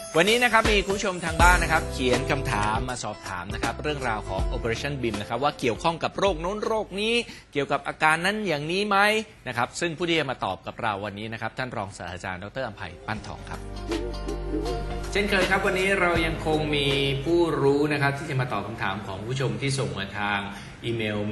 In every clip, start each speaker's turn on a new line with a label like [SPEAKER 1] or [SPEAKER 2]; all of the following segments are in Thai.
[SPEAKER 1] วันนี้นะครับมีคุณผู้ชมทางบ้านนะครับเขียนคำถามมาสอบถามนะครับเรื่องราวของ Operation BIM นะครับว่าเกี่ยวข้องกับโรคโน้นโรคนี้เกี่ยวกับอาการนั้นอย่างนี้ไหมนะครับซึ่งผู้ที่จะมาตอบกับเราวันนี้นะครับท่านรองศาสตราจารย์ดร.อำไพปั้นทองครับเช่นเคยครับวันนี้เรายังคงมีผู้รู้นะครับที่จะมาตอบคำถามของผู้ชมที่ส่งมาทางอีเมล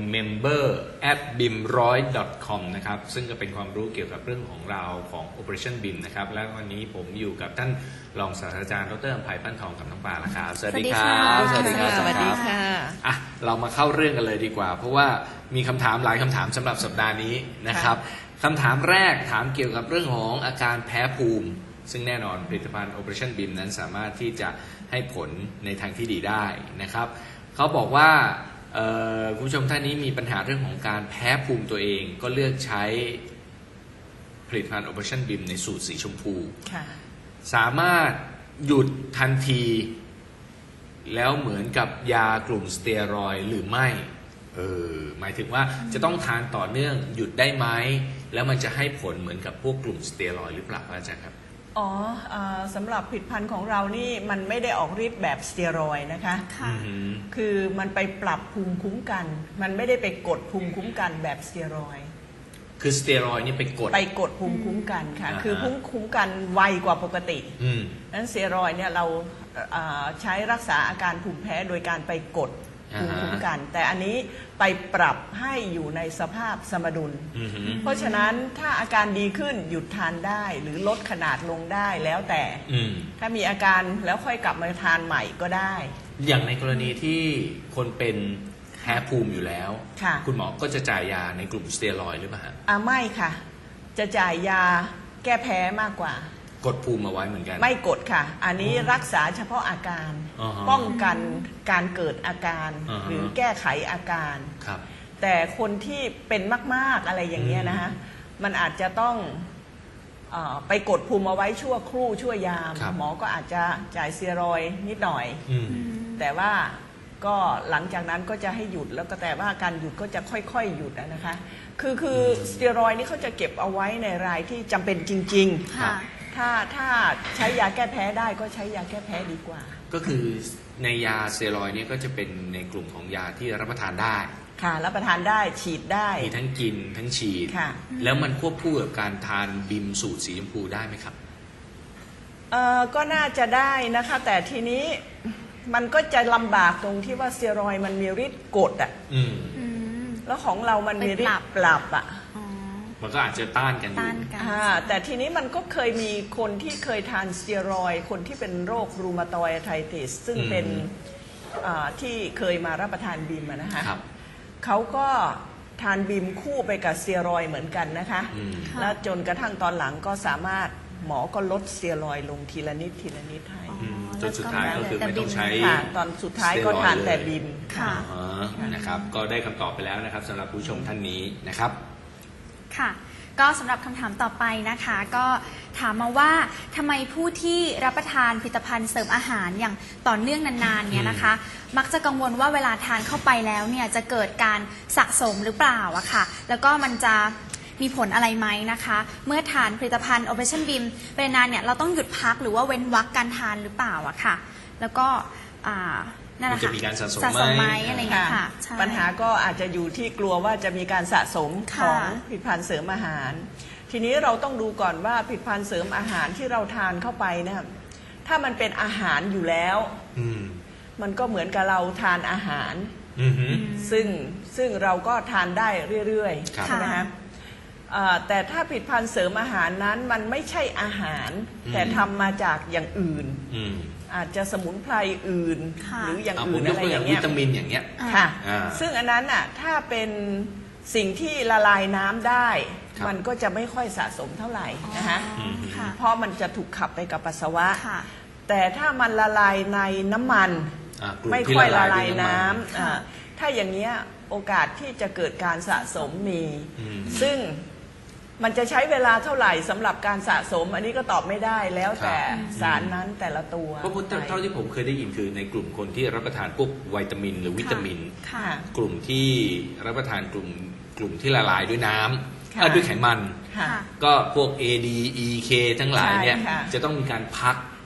[SPEAKER 1] member@bim100.com นะครับซึ่งก็เป็นความรู้เกี่ยวกับเรื่องของเราของ Operation BIM นะครับและวันนี้ผมอยู่กับท่านรองศาสตราจารย์ดร.อำไพปั้นทองกับน้องปลาละครับสวัสดีครับ
[SPEAKER 2] สวัสดีค่ะสวัสดีค่ะ
[SPEAKER 1] อ่ะเรามาเข้าเรื่องกันเลยดีกว่าเพราะว่ามีคำถามหลายคำถามสำหรับสัปดาห์นี้นะครับคำถามแรกถามเกี่ยวกับเรื่องของอาการแพ้ภูมิซึ่งแน่นอนผลิตภัณฑ์ Operation BIM นั้นสามารถที่จะให้ผลในทางที่ดีได้นะครับเขาบอกว่าคุณผู้ชมท่านนี้มีปัญหาเรื่องของการแพ้ภูมิตัวเองก็เลือกใช้ผลิตภัณฑ์ Operation BIM ในสูตรสีชมพูสามารถหยุดทันทีแล้วเหมือนกับยากลุ่มสเตียรอยด์หรือไม่หมายถึงว่าจะต้องทานต่อเนื่องหยุดได้ไหมแล้วมันจะให้ผลเหมือนกับพวกกลุ่มสเตียรอยด์หรือเปล่าอาจารย์ครับ
[SPEAKER 2] สำหรับผลิตภัณฑ์ของเรานี่มันไม่ได้ออกฤทธิ์แบบสเตียรอยด์นะคะคือมันไปปรับภูมิคุ้มกันมันไม่ได้ไปกดภูมิคุ้มกันแบบสเตียรอยด์
[SPEAKER 1] คือสเตียรอยด์นี่ไปกด
[SPEAKER 2] ภูมิคุ้มกันค่ะคือภูมิคุ้มกันไวกว่าปกตินั้นสเตียรอยด์เนี่ยเราใช้รักษาอาการภูมิแพ้โดยการไปกดภูมิคุ้มกันแต่อันนี้ไปปรับให้อยู่ในสภาพสมดุลเพราะฉะนั้นถ้าอาการดีขึ้นหยุดทานได้หรือลดขนาดลงได้แล้วแต่ถ้ามีอาการแล้วค่อยกลับมาทานใหม่ก็ได้
[SPEAKER 1] อย่างในกรณีที่คนเป็นแพ้ภูมิอยู่แล้วคุณหมอก็จะจ่ายยาในกลุ่มสเตียรอยด์หรือเปล่า
[SPEAKER 2] ไม่ค่ะจะจ่ายยาแก้แพ้มากกว่าก
[SPEAKER 1] ดภูมิมาไว้เหมือนกัน
[SPEAKER 2] ไม่กดค่ะอันนี้รักษาเฉพาะอาการป้องกันการเกิดอาการหรือแก้ไขอาการแต่คนที่เป็นมากๆอะไรอย่างเงี้ยนะคะมันอาจจะต้องไปกดภูมิเอาไว้ชั่วครู่ชั่วยามหมอก็อาจจะจ่ายสเตียรอยด์นิดหน่อยแต่ว่าก็หลังจากนั้นก็จะให้หยุดแล้วก็แต่ว่าการหยุดก็จะค่อยๆหยุดนะคะคือสเตียรอยด์นี่เขาจะเก็บเอาไว้ในรายที่จำเป็นจริงๆถ้าใช้ยาแก้แพ้ได้ก็ใช้ยาแก้แพ้ดีกว่า
[SPEAKER 1] ก็คือในยาสเตียรอยด์นี่ก็จะเป็นในกลุ่มของยาที่รับประทานได้
[SPEAKER 2] ค่ะรับประทานได้ฉีดได้
[SPEAKER 1] มีทั้งกินทั้งฉีดแล้วมันควบคู่กับการทานบิมสูตรสีชมพูได้ไหมครับ
[SPEAKER 2] ก็น่าจะได้นะคะแต่ทีนี้มันก็จะลำบากตรงที่ว่าสเตียรอยด์มันมีฤทธิ์กดแล้วของเรามันมีฤทธิ์ปรับ
[SPEAKER 1] มันก็อาจจะต้านกันอยู่
[SPEAKER 2] แต่ทีนี้มันก็เคยมีคนที่เคยทานสเตียรอยด์คนที่เป็นโรครูมาตอยด์อาร์ไทติสซึ่งเป็นที่เคยมารับประทานบิมนะคะเขาก็ทานบิมคู่ไปกับสเตียรอยด์เหมือนกันนะคะแล้วจนกระทั่งตอนหลังก็สามารถหมอก็ลดสเตียรอยด์ลงทีละนิดทีละนิดให้
[SPEAKER 1] จนสุดท้ายก็คือไม่ต้องใช้
[SPEAKER 2] ตอนสุดท้ายก็ทานแต่บิม
[SPEAKER 1] นะครับก็ได้คำตอบไปแล้วนะครับสำหรับผู้ชมท่านนี้นะครับ
[SPEAKER 3] ค่ะก็สำหรับคำถามต่อไปนะคะก็ถามมาว่าทำไมผู้ที่รับประทานผลิตภัณฑ์เสริมอาหารอย่างต่อเนื่องนานๆเนี่ยนะคะมักจะกังวลว่าเวลาทานเข้าไปแล้วเนี่ยจะเกิดการสะสมหรือเปล่าอะค่ะแล้วก็มันจะมีผลอะไรไหมนะคะเมื่อทานผลิตภัณฑ์ Operation BIM ไปนานเนี่ยเราต้องหยุดพักหรือว่าเว้นวรรคการทานหรือเปล่าอะค่ะแล้วก็
[SPEAKER 1] มันจะมีการสะสม
[SPEAKER 3] ไหมอะไรอย่างเงี้ยค่ะ
[SPEAKER 2] ปัญหาก็อาจจะอยู่ที่กลัวว่าจะมีการสะสมของผลิตภัณฑ์เสริมอาหารทีนี้เราต้องดูก่อนว่าผลิตภัณฑ์เสริมอาหารที่เราทานเข้าไปนะถ้ามันเป็นอาหารอยู่แล้วมันก็เหมือนกับเราทานอาหารซึ่งเราก็ทานได้เรื่อยๆใช่ไหมครับแต่ถ้าผลิตภัณฑ์เสริมอาหารนั้นมันไม่ใช่อาหารแต่ทำมาจากอย่างอื่นอาจจะสมุนไพรอื่นหรืออย่างอื่นอะไรอย่างเงี้ย
[SPEAKER 1] วิตามินอย่างเงี้ย
[SPEAKER 2] ค่ะซึ่งอันนั้นอ่ะถ้าเป็นสิ่งที่ละลายน้ำได้มันก็จะไม่ค่อยสะสมเท่าไหร่นะคะเพราะมันจะถูกขับไปกับปัสสาวะแต่ถ้ามันละลายในน้ำมันไม่ค่อยละลายน้ำถ้าอย่างเงี้ยโอกาสที่จะเกิดการสะสมมีซึ่งมันจะใช้เวลาเท่าไหร่สำหรับการสะสมอันนี้ก็ตอบไม่ได้แล้วแต่สารนั้นแต่ละตัว
[SPEAKER 1] เพราะเท่าที่ผมเคยได้ยินคือในกลุ่มคนที่รับประทานพวกวิตามินหรือวิตามินกลุ่มที่รับประทานกลุ่มที่ละลายด้วยน้ำด้วยไขมันก็พวก A D E K ทั้งหลายเนี่ยจะต้องมีการพัก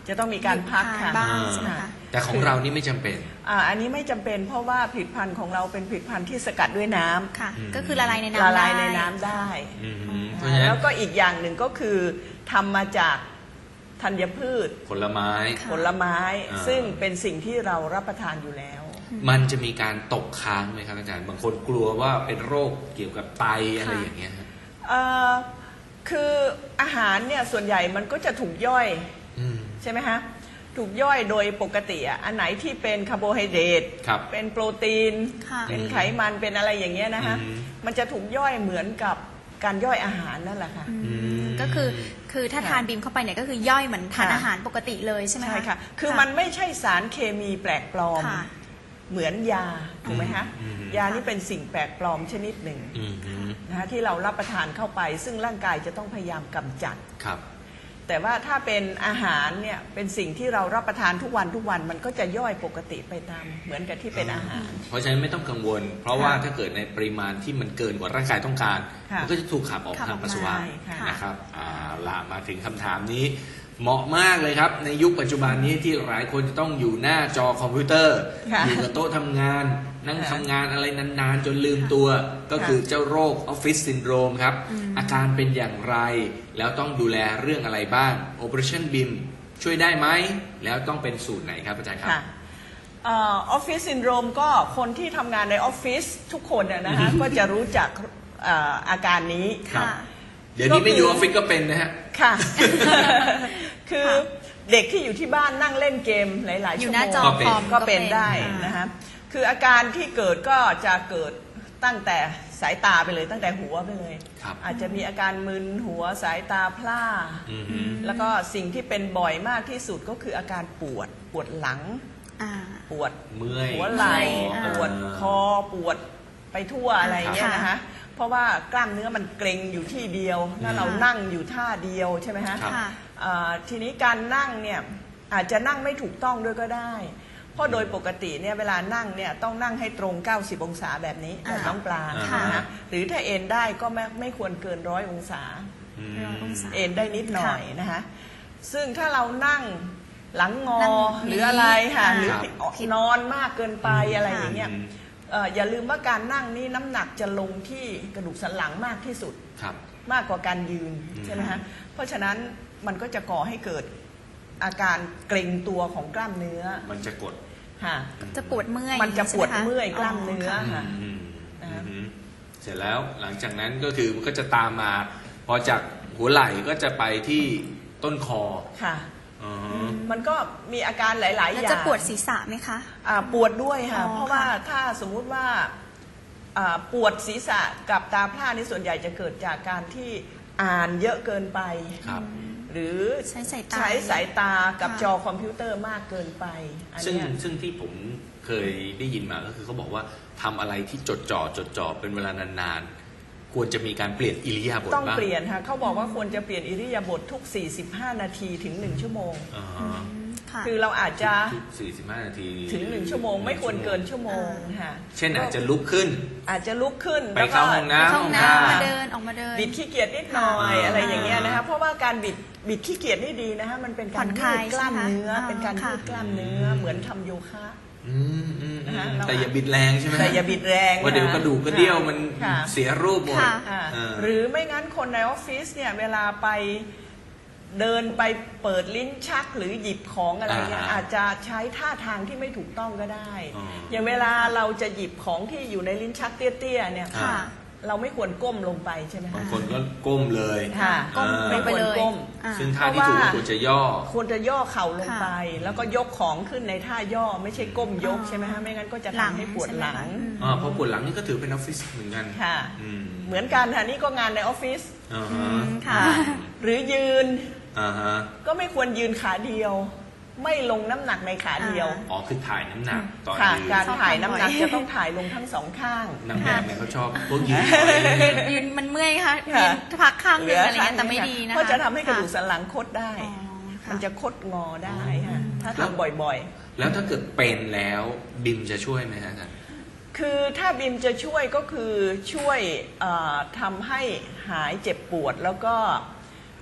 [SPEAKER 2] จะต้องมีการพักค่ะ
[SPEAKER 3] บ้างใช่ไหมคะ
[SPEAKER 1] แต่ของเรานี่ไม่จำเป็น
[SPEAKER 2] อันนี้ไม่จำเป็นเพราะว่าผลิตภัณฑ์ของเราเป็นผลิตภัณฑ์ที่สกัดด้วยน้ำ
[SPEAKER 3] ค่ะ ก็คือละลายในน้ำ
[SPEAKER 2] ละลาย
[SPEAKER 3] ได้
[SPEAKER 2] ในน้ำได้
[SPEAKER 1] เพราะฉะนั้น
[SPEAKER 2] แล้วก็อีกอย่างหนึ่งก็คือทำมาจากธัญพืช
[SPEAKER 1] ผลไม้
[SPEAKER 2] ผลไม้
[SPEAKER 1] อ่า
[SPEAKER 2] ซึ่งเป็นสิ่งที่เรารับประทานอยู่แล้ว
[SPEAKER 1] มันจะมีการตกค้างไหมครับอาจารย์บางคนกลัวว่าเป็นโรคเกี่ยวกับไตอะไรอย่างเงี้ยฮะ
[SPEAKER 2] คืออาหารเนี่ยส่วนใหญ่มันก็จะถูกย่อย
[SPEAKER 1] อืม
[SPEAKER 2] ใช่ไหมฮะถูกย่อยโดยปกติอันไหนที่เป็นคาร์โบไฮเดรต
[SPEAKER 1] ครับ
[SPEAKER 2] เป็นโปรตีน
[SPEAKER 3] ค่ะ
[SPEAKER 2] เป็นไขมันเป็นอะไรอย่างเงี้ยนะคะ
[SPEAKER 1] อืม
[SPEAKER 2] มันจะถูกย่อยเหมือนกับการย่อยอาหารนั่นแหละค่ะ
[SPEAKER 3] ก็คือถ้าทานบีมเข้าไปเนี่ยก็คือย่อยเหมือนทาน
[SPEAKER 2] ค่ะ
[SPEAKER 3] อาหารปกติเลยใช่ไหมคะ
[SPEAKER 2] ใช่ค่ะ คือมันไม่ใช่สารเคมีแปลกปลอม
[SPEAKER 3] ค่ะ
[SPEAKER 2] เหมือนยาถูกไหมคะ
[SPEAKER 1] อืม
[SPEAKER 2] ยานี่เป็นสิ่งแปลกปลอมชนิดหนึ่ง
[SPEAKER 1] อืมฮึ
[SPEAKER 2] นะคะที่เรารับประทานเข้าไป ซึ่งร่างกายจะต้องพยายามกำจัด
[SPEAKER 1] ครับ
[SPEAKER 2] แต่ว่าถ้าเป็นอาหารเนี่ยเป็นสิ่งที่เรารับประทานทุกวันมันก็จะย่อยปกติไปตามเหมือนกับที่เป็นอาหาร
[SPEAKER 1] เพราะฉะนั้นไม่ต้องกังวล เพราะว่าถ้าเกิดในปริมาณที่มันเกินกว่าร่างกายต้องการ
[SPEAKER 2] ค่ะ
[SPEAKER 1] มันก็จะถูกขับออก
[SPEAKER 3] ขับอ
[SPEAKER 1] ทา
[SPEAKER 3] อง ก
[SPEAKER 1] ปัสสาวะ
[SPEAKER 3] มา
[SPEAKER 2] ค่ะ
[SPEAKER 1] นะครับล่ะมาถึงคำถามนี้ เหมาะมากเลยครับ ในยุคปัจจุบันนี้ที่หลายคนจะต้องอยู่หน้าจอคอมพิวเตอร์
[SPEAKER 2] ค่ะ
[SPEAKER 1] อยู่กับโต๊ะทำงาน นั่ง
[SPEAKER 2] ค่ะ
[SPEAKER 1] ทำงานอะไรนานๆ จนลืมตัว ก็คือเจ้าโรคออฟฟิศซินโดรมครับ อาการเป็นอย่างไร แล้วต้องดูแลเรื่องอะไรบ้าง Operation BIM ช่วยได้ไหม แล้วต้องเป็นสูตรไหนครับอาจารย์ครับ
[SPEAKER 2] ค่ะออฟฟิศซินโดรมก็คนที่ทำงานในออฟฟิศทุกคนนะคะ ก็จะรู้จักอาการนี้
[SPEAKER 1] ครับ
[SPEAKER 3] ค่ะ
[SPEAKER 1] เดี๋ยวนี้ไม่อยู่ออฟฟิศก็เป็นนะฮะ
[SPEAKER 2] ค่ะ คือเด็กที่อยู่ที่บ้านนั่งเล่นเกมหลายๆ
[SPEAKER 3] อ
[SPEAKER 2] ชั่
[SPEAKER 3] ยู่
[SPEAKER 2] ว
[SPEAKER 3] หน้า
[SPEAKER 2] โมง
[SPEAKER 3] จอ
[SPEAKER 1] ก็เป็น
[SPEAKER 3] คอม
[SPEAKER 2] ก็เป็นได้
[SPEAKER 3] อ่า
[SPEAKER 2] นะคะคืออาการที่เกิดก็จะเกิดตั้งแต่สายตาไปเลยตั้งแต่หัวไปเลย
[SPEAKER 1] ครับ
[SPEAKER 2] อาจจะมีอาการมึนหัวสายตาพร่า
[SPEAKER 1] อือฮึ
[SPEAKER 2] แล้วก็สิ่งที่เป็นบ่อยมากที่สุดก็คืออาการปวดหลัง
[SPEAKER 3] อ่า
[SPEAKER 2] ปวด
[SPEAKER 1] เมื่อย
[SPEAKER 2] หัวไหล่
[SPEAKER 3] อ่า
[SPEAKER 2] ปวดคอปวดไปทั่วอะไรเงี้ย
[SPEAKER 3] ค่ะ
[SPEAKER 2] นะคะเพราะว่ากล้ามเนื้อมันเกร็งอยู่ที่เดียวแล้วเรานั่งอยู่ท่าเดียวใช่ไหมฮะ
[SPEAKER 1] ครับ
[SPEAKER 3] ค่ะ
[SPEAKER 2] ทีนี้การนั่งเนี่ยอาจจะนั่งไม่ถูกต้องด้วยก็ได้ เพราะโดยปกติเนี่ยเวลานั่งเนี่ยต้องนั่งให้ตรง 90 องศาแบบนี้แบบน้องปลา
[SPEAKER 3] ค่ะ
[SPEAKER 2] นะหรือถ้าเอนได้ก็ไม่ควรเกิน100 องศา
[SPEAKER 1] อืม
[SPEAKER 3] 100 องศา
[SPEAKER 2] เอนได้นิดหน่อยนะคะซึ่งถ้าเรานั่งหลังงอ
[SPEAKER 3] นั่ง
[SPEAKER 2] หรืออะไรค่ะ
[SPEAKER 3] อ่า
[SPEAKER 2] หรือ
[SPEAKER 3] ผิด
[SPEAKER 2] นอนมากเกินไป
[SPEAKER 3] อืม
[SPEAKER 2] อะไรอย่างเงี้ย
[SPEAKER 1] อืม
[SPEAKER 2] อย่าลืมว่าการนั่งนี่น้ำหนักจะลงที่กระดูกสันหลังมากที่สุด
[SPEAKER 1] ครับ
[SPEAKER 2] มากกว่าการยืน
[SPEAKER 1] อืม
[SPEAKER 2] ใช่ไหมฮะเพราะฉะนั้นมันก็จะก่อให้เกิดอาการเกร็งตัวของกล้ามเนื้อ
[SPEAKER 1] มันจะกด
[SPEAKER 2] ค่ะ
[SPEAKER 3] จะปวดเมื่อย
[SPEAKER 2] มันจะปวด
[SPEAKER 3] ใช่ไหค
[SPEAKER 2] เมื่อยกล้ามเนื้อ
[SPEAKER 3] ค่ะ
[SPEAKER 2] ค่ะ
[SPEAKER 1] อืม
[SPEAKER 2] นะคะ
[SPEAKER 1] อืมเสร็จแล้วหลังจากนั้นก็คือมันก็จะตามมา พอจากหัวไหล่ก็จะไปที่ต้นคอ
[SPEAKER 2] ค่ะ
[SPEAKER 1] อ๋อ
[SPEAKER 2] มันก็มีอาการหลาย ๆ อ
[SPEAKER 3] แล้ว
[SPEAKER 2] ย่าง
[SPEAKER 3] จะปวดศีรษะไหมคะ
[SPEAKER 2] ปวดด้วยค่ะ
[SPEAKER 3] อ๋อ
[SPEAKER 2] เพราะว่าถ้าสมมุติว่าปวดศีรษะกับตาพร่านี่ส่วนใหญ่จะเกิดจากการที่อ่านเยอะเกินไป
[SPEAKER 1] ครับ
[SPEAKER 2] หรือ
[SPEAKER 3] ใช้สายตา
[SPEAKER 2] ใช้สายตากับ
[SPEAKER 3] ค่ะ
[SPEAKER 2] จอคอมพิวเตอร์มากเกินไปอัน
[SPEAKER 1] ซึ่ง
[SPEAKER 2] เนี้ย
[SPEAKER 1] ซึ่งที่ผมเคยได้ยินมาก็คือเขาบอกว่าทำอะไรที่จดจ่อเป็นเวลานานๆ ควรจะมีการเปลี่ยนอิริยาบถ
[SPEAKER 2] ต้อง
[SPEAKER 1] บ้าง
[SPEAKER 2] เปลี่ยนค่ะเขาบอกว่าควรจะเปลี่ยนอิริยาบถทุก 45 นาทีถึง 1 ชั่วโมง
[SPEAKER 1] อ่าฮะ
[SPEAKER 3] ค่ะ
[SPEAKER 2] คือเราอาจจะ
[SPEAKER 1] ทุก45 นาที
[SPEAKER 2] ถึง 1 ชั่วโมง ไม่ควรเกินชั่วโมงค่ะ
[SPEAKER 1] เช่นอาจจะลุกขึ้น
[SPEAKER 2] อาจจะลุกขึ้น
[SPEAKER 1] ไป
[SPEAKER 2] แล้วก็
[SPEAKER 1] เข้าห้องน้ำ
[SPEAKER 3] เข้าห้องน้ำมาเดินออกมาเดิน
[SPEAKER 2] บิดขี้เกียจนิดหน่อย
[SPEAKER 1] ค่ะ
[SPEAKER 2] อะไรอย่างเงี้ยนะคะเพราะว่าการบิดขี้เกียจนี่ดีนะคะมันเป็น
[SPEAKER 3] ผ่
[SPEAKER 2] การ
[SPEAKER 3] อนค
[SPEAKER 2] ยื
[SPEAKER 3] ลา
[SPEAKER 2] ด
[SPEAKER 3] ย
[SPEAKER 2] กล้ามเนื้อ
[SPEAKER 3] ใช่ไหมคะ
[SPEAKER 2] เป็นการ
[SPEAKER 3] ค่ะ
[SPEAKER 2] ยืดกล้ามเนื้อเหมือนทำโยคะ
[SPEAKER 1] อืม
[SPEAKER 2] นะคะ
[SPEAKER 1] แต่อย่าบิดแรงใช่ไหม
[SPEAKER 2] แต่อย่าบิดแรง
[SPEAKER 1] ว่าะเดี๋ยวกระดูกกระเดี่ยวมัน
[SPEAKER 2] ค่ะ
[SPEAKER 1] เสียรูปหมด
[SPEAKER 3] ค่ะ
[SPEAKER 2] ค่ะ
[SPEAKER 1] เออ
[SPEAKER 2] หรือไม่งั้นคนในออฟฟิศเนี่ยเวลาไปเดินไปเปิดลิ้นชักหรือหยิบของอะไรเนี่ยอาจจะใช้ท่าทางที่ไม่ถูกต้องก็ได้ อย่างเวลาเราจะหยิบของที่อยู่ในลิ้นชักเตี้ยๆเนี่ย
[SPEAKER 3] ค่ะ
[SPEAKER 2] เราไม่ควรก้มลงไปใช่ไหม
[SPEAKER 1] บาง
[SPEAKER 2] คะ
[SPEAKER 1] คนก็ก้มเลย
[SPEAKER 2] ค่ะ
[SPEAKER 3] ก้มลงไปเลย
[SPEAKER 2] ไม่ควรก้ม
[SPEAKER 3] อ่า
[SPEAKER 1] ซึ่งท่าที่ถูกก็ควรจะย่อ
[SPEAKER 2] ควรจะย่อเข่าลงไป
[SPEAKER 3] ค่ะ
[SPEAKER 2] แล้วก็ยกของขึ้นในท่าย่อไม่ใช่ก้มยกใช่ไหมคะไม่งั้นก็จะทำให้ปวดหลัง
[SPEAKER 1] เพราะปวดหลังนี่ก็ถือเป็นออฟฟิศเหมือนกัน
[SPEAKER 2] ค่ะ
[SPEAKER 1] อืม
[SPEAKER 2] เหมือนกันค่ะนี่ก็งานในออฟฟิศ
[SPEAKER 1] อ่า
[SPEAKER 3] อื
[SPEAKER 1] ฮะ
[SPEAKER 3] มค่ะ
[SPEAKER 2] หรือยืน
[SPEAKER 1] อ่าฮะ
[SPEAKER 2] ก็ไม่ควรยืนขาเดียว ไม่ลงน้ำหนักในขาเดียว
[SPEAKER 1] อ๋อคือถ่ายน้ำหนักตอน
[SPEAKER 2] ค่ะ
[SPEAKER 1] ยืน
[SPEAKER 2] การ
[SPEAKER 3] ชอบ
[SPEAKER 2] ถ่าย
[SPEAKER 3] ทำ
[SPEAKER 2] น้ำหนัก
[SPEAKER 3] บ่อย
[SPEAKER 2] จะต้องถ่ายลงทั้งสองข้าง
[SPEAKER 1] นางแบบเนี่ยเขาชอบพวกยืน
[SPEAKER 3] ยืนมันเมื่อยค่ะ
[SPEAKER 2] ค่ะ
[SPEAKER 3] ยืนพักข้างหนึงอะไรเงี้ยแต่ไม่ดีนะคะ
[SPEAKER 2] เพราะจะทำให้กระดูก
[SPEAKER 3] ค่
[SPEAKER 2] สันหลังคดได้
[SPEAKER 3] อ๋อค่ะ
[SPEAKER 2] มันจะคดงอได้ค่ะถ้าทำบ่อยๆ
[SPEAKER 1] แล้วถ้าเกิดเป็นแล้วบิมจะช่วยไหมฮะอาจารย์
[SPEAKER 2] คือถ้าบิมจะช่วยก็คือช่วยทำให้หายเจ็บปวดแล้วก็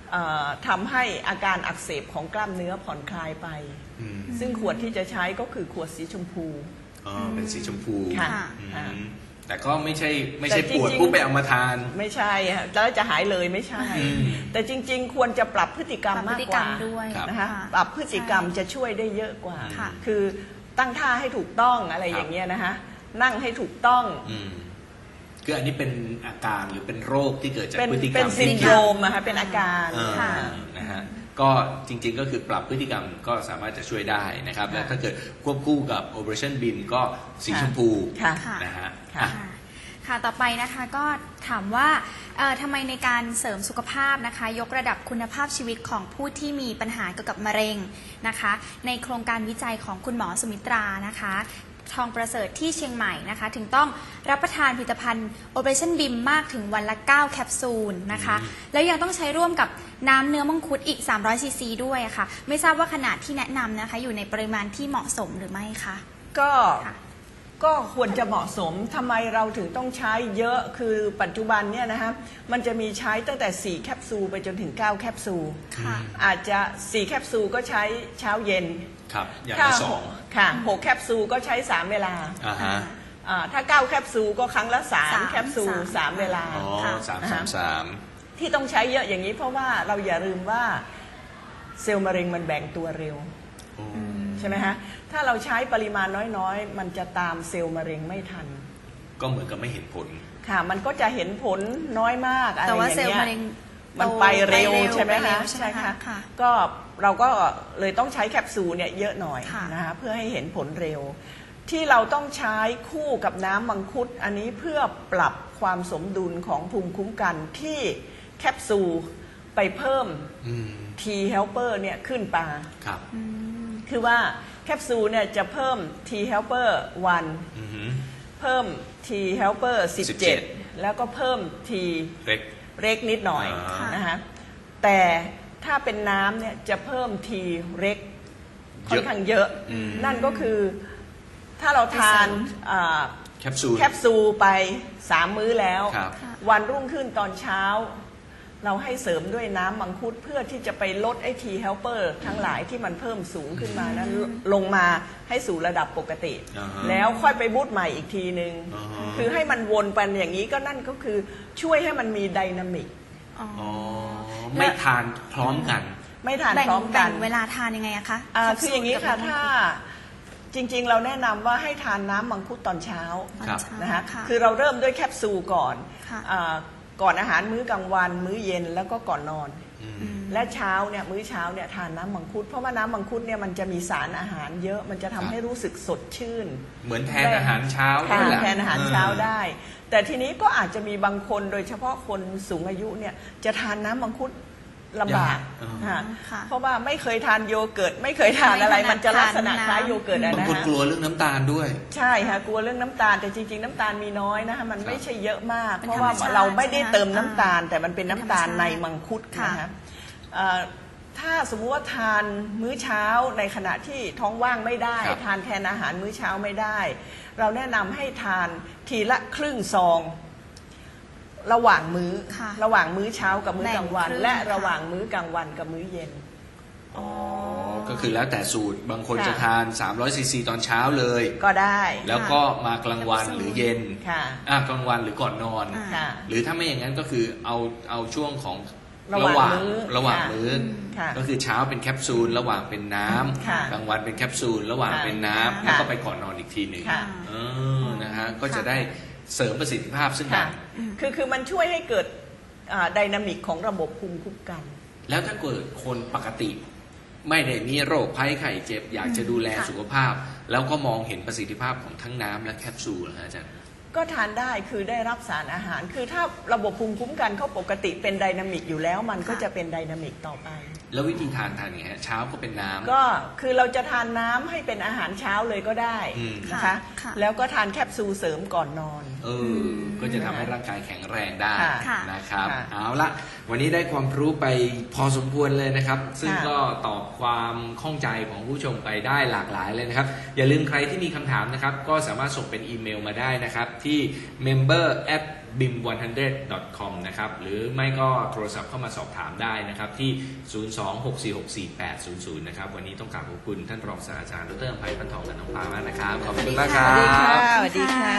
[SPEAKER 2] ทำให้อาการอักเสบของกล้ามเนื้อผ่อนคลายไป ซึ่งขวดที่จะใช้ก็คือขวดสีชมพู
[SPEAKER 1] เป็นสีชมพู
[SPEAKER 2] ค่ะ
[SPEAKER 1] แต่ก็ไม่ใช่ปวดปุ๊บไปเอามาทาน
[SPEAKER 2] ไม่ใช่แล้วจะหายเลยไม่ใช่ แต่จริงๆควรจะปรับพฤติกรรมมากกว่านะคะปรับพฤติกรรมจะช่วยได้เยอะกว่าคือตั้งท่าให้ถูกต้องอะไรอย่างเงี้ยนะคะนั่งให้ถูกต้อง
[SPEAKER 1] คืออันนี้เป็นอาการหรือเป็นโรคที่เกิดจากพฤติกรรม
[SPEAKER 2] เป็นซินโดรมนะคะเป็นอาการ
[SPEAKER 1] นะฮะก็จริงๆก็คือปรับพฤติกรรมก็สามารถจะช่วยได้นะครับและถ้าเกิดควบคู่กับ Operation BIM ก็สีชมพูนะฮะ
[SPEAKER 3] ค่ะต่อไปนะคะก็ถามว่าทำไมในการเสริมสุขภาพนะคะยกระดับคุณภาพชีวิตของผู้ที่มีปัญหาเกี่ยวกับมะเร็งนะคะในโครงการวิจัยของคุณหมอสุมิตรานะคะทองประเสริฐที่เชียงใหม่นะคะถึงต้องรับประทานผลิตภัณฑ์ Operation BIM มากถึงวันละ9แคปซูลนะคะแล้วยังต้องใช้ร่วมกับน้ำเนื้อมังคุดอีก300ซีซีด้วยค่ะไม่ทราบว่าขนาดที่แนะนำนะคะอยู่ในปริมาณที่เหมาะสมหรือไม่คะ
[SPEAKER 2] ก็ควรจะเหมาะสมทำไมเราถึงต้องใช้เยอะคือปัจจุบันเนี่ยนะคะมันจะมีใช้ตั้งแต่4แคปซูลไปจนถึง9แคปซูลอาจจะ4แคปซูลก็ใช้เช้าเย็น
[SPEAKER 1] ครับอย่างละ2
[SPEAKER 2] ค่ะ6แคปซูลก็ใช้3เวลาถ้า9แคปซูลก็ครั้งละ3แคปซูล3เวลา
[SPEAKER 1] 3
[SPEAKER 2] ที่ต้องใช้เยอะอย่างนี้เพราะว่าเราอย่าลืมว่าเซลล์มะเร็งมันแบ่งตัวเร็วใช่ไหมฮะถ้าเราใช้ปริมาณน้อยๆมันจะตามเซลล์มะเร็งไม่ทัน
[SPEAKER 1] ก็เหมือนกับไม่เห็นผล
[SPEAKER 2] ค่ะมันก็จะเห็นผลน้อยมากอะไรอย่างเงี้ยแต่ว่าเซลล์มะเร็งมันไปเร็วใช่ไหมคะใช่ค่ะก็เราก็เลยต้องใช้แคปซูลเนี่ยเยอะหน่อยนะคะเพื่อให้เห็นผลเร็วที่เราต้องใช้คู่กับน้ำมังคุดอันนี้เพื่อปรับความสมดุลของภูมิคุ้มกันที่แคปซูลไปเพิ่มT helper เนี่ยขึ้นปาคือว่าแคปซูลเนี่ยจะเพิ่ม T helper 1เพิ่ม T helper 17แล้วก็เพิ่ม T เล็กนิดหน่อยนะคะแต่ถ้าเป็นน้ำเนี่ยจะเพิ่ม T เล็กค่อนข้างเยอะนั่นก็คือถ้าเราทานแคปซูลไป3มื้อแล้ววันรุ่งขึ้นตอนเช้าเราให้เสริมด้วยน้ำมังคุดเพื่อที่จะไปลดไอ้ T helper ทั้งหลายที่มันเพิ่มสูงขึ้นมานั้นลงมาให้สู่ระดับปกติแล้วค่อยไปบูสต์ใหม่อีกทีนึงคือให้มันวนไปอย่างนี้ก็นั่นก็คือช่วยให้มันมีไดนามิก
[SPEAKER 1] ไม่ทานพร้อมกัน
[SPEAKER 2] ไม่ทานพร้อมกัน
[SPEAKER 3] เวลาทานยังไงอะคะ
[SPEAKER 2] คืออย่างนี้ค่ะถ้าจริงๆเราแนะนำว่าให้ทานน้ำมังคุดตอนเช้านะคะคือเราเริ่มด้วยแคปซูลก่อนก่อนอาหารมื้อกลางวันมื้อเย็นแล้วก็ก่อนนอนและเช้าเนี่ยมื้อเช้าเนี่ยทานน้ำมังคุดเพราะว่าน้ำมังคุดเนี่ยมันจะมีสารอาหารเยอะมันจะทำให้รู้สึกสดชื่น
[SPEAKER 1] เหมือนแทนอาหารเช้า
[SPEAKER 2] แทนอาหารเช้าได้แต่ทีนี้ก็อาจจะมีบางคนโดยเฉพาะคนสูงอายุเนี่ยจะทานน้ำมังคุดลำบากเพราะว่าไม่เคยทานโยเกิร์ตไม่เคยทานอะไรมันจะลักษณะคล้ายโยเกิร์ตนะ
[SPEAKER 1] บางคนกลัวเรื่องน้ำตาลด้วย
[SPEAKER 2] ใช่ค่ะกลัวเรื่องน้ำตาลแต่จริงๆน้ำตาลมีน้อยนะคะมันไม่ใช่เยอะมากเพราะว่าเราไม่ได้เติมน้ำตาลแต่มันเป็นน้ำตาลในมังคุดนะคะถ้าสมมุติว่าทานมื้อเช้าในขณะที่ท้องว่างไม่ได้ทานแทนอาหารมื้อเช้าไม่ได้เราแนะนำให้ทานทีละครึ่งซองระหว่างมื้อเช้ากับมื้อกลางวันและระหว่างมื้อกลางวันกับมื้อเย็น
[SPEAKER 1] ก็คือแล้วแต่สูตรบางคนจะทาน300ซีซีตอนเช้าเลย
[SPEAKER 2] ก็ได้
[SPEAKER 1] แล้วก็มากลางวันหรือเย็นกลางวันหรือก่อนนอนหรือถ้าไม่อย่างนั้นก็คือเอาช่วงของระหว่างมื้อก็คือเช้าเป็นแคปซูลระหว่างเป็นน้ำกลางวันเป็นแคปซูลระหว่างเป็นน้ำแล้วก็ไปก่อนนอนอีกทีหนึ่งนะฮะก็จะได้เสริมประสิทธิภาพซึ่งกัน
[SPEAKER 2] คือมันช่วยให้เกิดไดนามิกของระบบภูมิคุ้มกัน
[SPEAKER 1] แล้วถ้าเกิดคนปกติไม่ได้มีโรคภัยไข้เจ็บอยากจะดูแลสุขภาพแล้วก็มองเห็นประสิทธิภาพของทั้งน้ำและแคปซูลนะอาจารย์
[SPEAKER 2] ก็ทานได้คือได้รับสารอาหารคือถ้าระบบภูมิคุ้มกันเขาปกติเป็นไดนามิกอยู่แล้วมันก็จะเป็นไดนามิกต่อไป
[SPEAKER 1] แล้ววิธีทานยังไงเช้าก็เป็นน้ำ
[SPEAKER 2] ก็คือเราจะทานน้ำให้เป็นอาหารเช้าเลยก็ได้นะคะแล้วก็ทานแคปซูลเสริมก่อนนอน
[SPEAKER 1] ก็จะทำให้ร่างกายแข็งแรงได้นะครับเอาละวันนี้ได้ความรู้ไปพอสมควรเลยนะครับซึ่งก็ตอบความข้องใจของผู้ชมไปได้หลากหลายเลยนะครับอย่าลืมใครที่มีคำถามนะครับก็สามารถส่งเป็นอีเมลมาได้นะครับที่ member@ bim100.com นะครับหรือไม่ก็โทรศัพท์เข้ามาสอบถามได้นะครับที่ 026464800 นะครับวันนี้ต้องกราบขอบคุณท่านรองศาสตราจารย์ดร.อำไพพันทองและน้องปามากนะครับขอบคุณมากครั
[SPEAKER 2] สวัสดีค่ะ
[SPEAKER 1] บ
[SPEAKER 2] สวัสดีค่ะ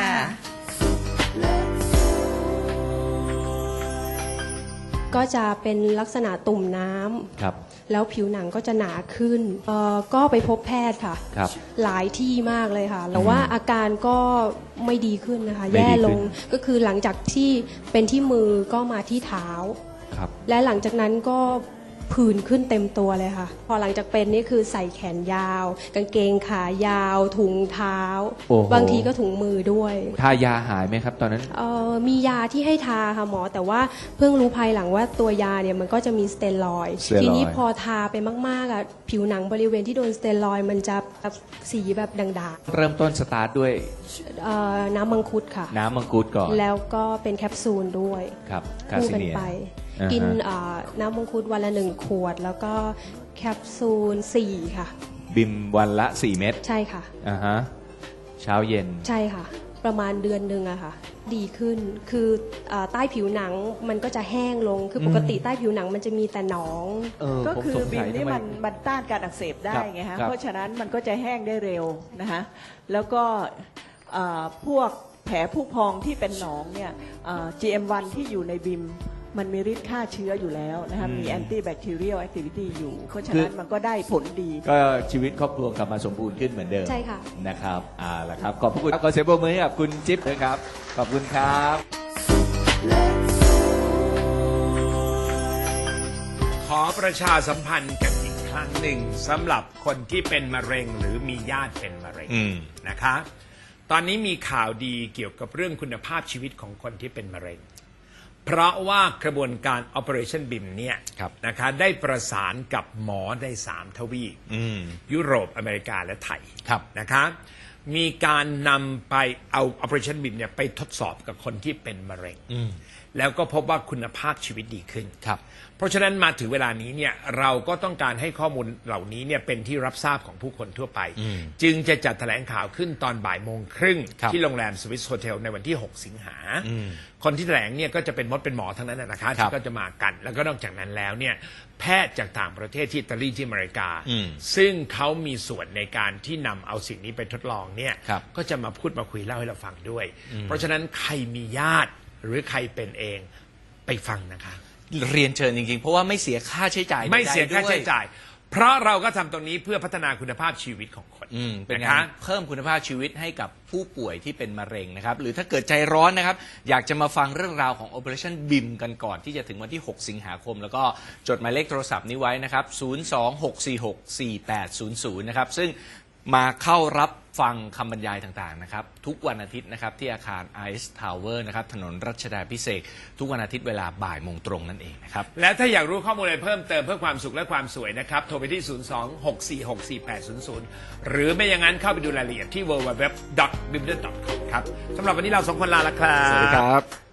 [SPEAKER 4] ก็จะเป็นลักษณะตุ่มน้ำ
[SPEAKER 5] ครับ
[SPEAKER 4] แล้วผิวหนังก็จะหนาขึ้นก็ไปพบแพทย์ค่ะ
[SPEAKER 5] ครับ
[SPEAKER 4] หลายที่มากเลยค่ะแต่ว่าอาการก็ไม่ดีขึ้นนะคะ
[SPEAKER 5] ไม่ดีขึ้น
[SPEAKER 4] แย่ลงก็คือหลังจากที่เป็นที่มือก็มาที่เท้า
[SPEAKER 5] ครับ
[SPEAKER 4] และหลังจากนั้นก็ผื่นขึ้นเต็มตัวเลยค่ะ พอหลังจากเป็นนี่คือใส่แขนยาว กางเกงขายาว ถุงเท้า
[SPEAKER 5] โอ้โห
[SPEAKER 4] บางทีก็ถุงมือด้วย
[SPEAKER 5] ทายาหายไหมครับตอนนั้น
[SPEAKER 4] มียาที่ให้ทาค่ะหมอ แต่ว่าเพิ่งรู้ภายหลังว่าตัวยาเนี่ยมันก็จะมีสเตียรอยด์
[SPEAKER 5] สเตียรอยด์
[SPEAKER 4] ทีนี้พอทาไปมากๆอ่ะผิวหนังบริเวณที่โดนสเตียรอยด์มันจะแบบสีแบบด่าง
[SPEAKER 5] เริ่มต้นสตาร์ทด้วย
[SPEAKER 4] ๆน้ำมังคุดค่ะ
[SPEAKER 5] น้ำมังคุดก่อน
[SPEAKER 4] แล้วก็เป็นแคปซูลด้วย
[SPEAKER 5] ครับคา
[SPEAKER 4] คู่
[SPEAKER 5] ซิ
[SPEAKER 4] กัน
[SPEAKER 5] เนีย
[SPEAKER 4] ไป
[SPEAKER 5] อ่าฮะ
[SPEAKER 4] กินน้ำมังคุดวันละ1 ขวด แล้วก็แคปซูล4ค่ะ
[SPEAKER 5] บิมวันละ 4 เม็ด
[SPEAKER 4] ใช่ค่ะ
[SPEAKER 5] อ่าฮะเช้าเย็น
[SPEAKER 4] ใช่ค่ะ ประมาณเดือนหนึ่งอะค่ะ ดีขึ้นคือใต้ผิวหนังมันก็จะแห้งลงคือปกติใต้ผิวหนังมันจะมีแต่หนอง
[SPEAKER 2] ก็คือ
[SPEAKER 5] ผมสง
[SPEAKER 2] บิ
[SPEAKER 5] สั
[SPEAKER 2] ม
[SPEAKER 5] ย
[SPEAKER 2] นี่
[SPEAKER 5] ทำไ
[SPEAKER 2] มันต้านการอักเสบได้
[SPEAKER 5] ครับ
[SPEAKER 2] ไงฮะ
[SPEAKER 5] ครับ
[SPEAKER 2] เพราะฉะนั้นมันก็จะแห้งได้เร็วนะคะแล้วก็พวกแผลผู้พองที่เป็นหนองเนี่ยGM1 ที่อยู่ในบิมมันมีฤทธิ์ฆ่าเชื้ออยู่แล้วนะคะมีแอนตี้แบคทีเรียลแอคทิวิตี้อยู่ เพราะฉะนั้นมันก็ได้ผลดี
[SPEAKER 5] ก็ชีวิตครอบครัวกลับมาสมบูรณ์ขึ้นเหมือนเดิม
[SPEAKER 4] ใช่ค่ะ
[SPEAKER 5] นะครับล่ะครับขอบพระคุณขอเสียงปรบมือให้กับคุณจิ๊บนะครับขอบคุณครับ
[SPEAKER 6] ขอประชาสัมพันธ์กันอีกครั้งหนึ่งสำหรับคนที่เป็นมะเร็งหรือมีญาติเป็นมะเร็งนะคะ ตอนนี้มีข่าวดีเกี่ยวกับเรื่องคุณภาพชีวิตของคนที่เป็นมะเร็ง เพราะว่ากระบวนการ Operation BIM เนี่ย
[SPEAKER 5] ครับ
[SPEAKER 6] นะคะได้ประสานกับหมอใน3 ทวีปยุโรปอเมริกาและไทย
[SPEAKER 5] ครับ
[SPEAKER 6] นะคะมีการนำไปเอา Operation BIM เนี่ยไปทดสอบกับคนที่เป็นมะเร็ง แล้วก็พบว่าคุณภาพชีวิตดีขึ้น
[SPEAKER 5] ครับ
[SPEAKER 6] เพราะฉะนั้นมาถึงเวลานี้เนี่ยเราก็ต้องการให้ข้อมูลเหล่านี้เนี่ยเป็นที่รับทราบของผู้คนทั่วไป จึงจะจัดแถลงข่าวขึ้นตอนบ่ายโมงครึ่ง
[SPEAKER 5] ครับ
[SPEAKER 6] ที่โรงแรมสวิสโฮเทลในวันที่ 6 สิงหา คนที่แถลงเนี่ยก็จะเป็นมดเป็นหมอทั้งนั้นนะคะ
[SPEAKER 5] ครับ
[SPEAKER 6] ที่ก็จะมากัน แล้วก็นอกจากนั้นแล้วเนี่ยแพทย์จากต่างประเทศที่อิตาลีที่อเมริกา ซึ่งเขามีส่วนในการที่นำเอาสิ่งนี้ไปทดลองเนี่ย
[SPEAKER 5] ครับ
[SPEAKER 6] ก็จะมาพูดมาคุยเล่าให้เราฟังด้วย เพราะฉะนั้นใครมีญาติหรือใครเป็นเองไปฟังนะคะ
[SPEAKER 7] เรียนเชิญจริงๆ เพราะว่าไม่เสียค่าใช้จ่าย
[SPEAKER 6] ไม่เสียค่า
[SPEAKER 7] ใดๆด้ว
[SPEAKER 6] ใช้จ่าย เพราะเราก็ทำตรงนี้เพื่อพัฒนาคุณภาพชีวิตของคน
[SPEAKER 7] เป็น
[SPEAKER 6] นะ
[SPEAKER 7] กา
[SPEAKER 6] คะ
[SPEAKER 7] รเพิ่มคุณภาพชีวิตให้กับผู้ป่วยที่เป็นมะเร็งนะครับ หรือถ้าเกิดใจร้อนนะครับ อยากจะมาฟังเรื่องราวของ Operation BIM กันก่อนที่จะถึงวันที่ 6 สิงหาคม แล้วก็จดหมายเลขโทรศัพท์นี้ไว้นะครับ 026464800 นะครับ ซึ่งมาเข้ารับฟังคำบรรยายต่างๆนะครับทุกวันอาทิตย์นะครับที่อาคาร Ice Tower นะครับถนนรัชดาภิเษกทุกวันอาทิตย์เวลาบ่ายโมงตรงนั่นเองนะครับ
[SPEAKER 6] และถ้าอยากรู้ข้อมูลอะไรเพิ่มเติมเพื่อความสุขและความสวยนะครับ โทรไปที่ 026464800 หรือไม่อย่างนั้นเข้าไปดูรายละเอียดที่ www.bimden.com ครับสำหรับวันนี้เราสองคนลาละครับ
[SPEAKER 5] สวัสดีครับ